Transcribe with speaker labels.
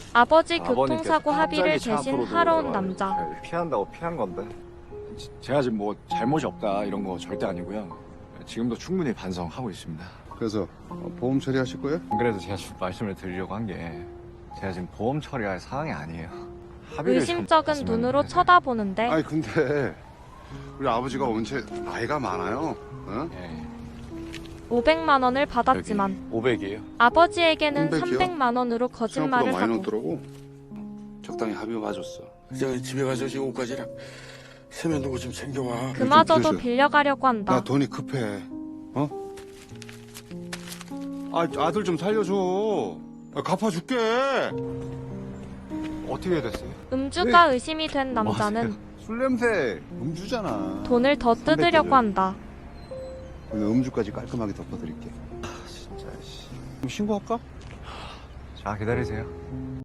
Speaker 1: 아버지
Speaker 2: 아버님께서
Speaker 1: 교통사고 합의를
Speaker 2: 갑자기 차
Speaker 1: 대신
Speaker 2: 앞으로
Speaker 1: 하러 온
Speaker 2: 들어와가지고
Speaker 1: 남자.
Speaker 2: 피한다고 피한 건데. 제가 지금 뭐 잘못이 없다 이런 거 절대 아니고요. 지금도 충분히 반성하고 있습니다.
Speaker 3: 그래서 보험 처리하실 거예요?
Speaker 2: 안 그래도 제가 말씀을 드리려고 한 게 제가 지금 보험 처리할 상황이 아니에요. 합의를 좀
Speaker 1: 의심쩍은
Speaker 2: 봤으면
Speaker 1: 눈으로
Speaker 2: 했는데.
Speaker 1: 쳐다보는데
Speaker 3: 아니 근데 우리 아버지가 원체 나이가 많아요. 어?
Speaker 2: 예,
Speaker 1: 500만 원을 받았지만
Speaker 2: 500이에요.
Speaker 1: 아버지에게는
Speaker 3: 300 이요?
Speaker 1: 300만 원으로
Speaker 3: 생각보다
Speaker 1: 거짓말을
Speaker 3: 많이
Speaker 1: 하고
Speaker 3: 넣더라고.
Speaker 4: 적당히 합의 봐줬어. 저 집에 가서 지금 옷까지랑 세면도구 좀 챙겨와.
Speaker 1: 그마저도
Speaker 3: 그래서
Speaker 1: 빌려가려고
Speaker 3: 나
Speaker 1: 한다.
Speaker 3: 돈이 급해. 어? 아들 좀 살려줘. 갚아줄게.
Speaker 2: 어떻게 됐어요?
Speaker 1: 음주가 의심이 된 남자는
Speaker 3: 술 냄새. 음주잖아.
Speaker 1: 돈을 더 뜯으려고 한다.
Speaker 3: 오늘 음주까지 깔끔하게 덮어드릴게.
Speaker 2: 진짜 씨.
Speaker 3: 그럼 신고할까?
Speaker 2: 자 기다리세요.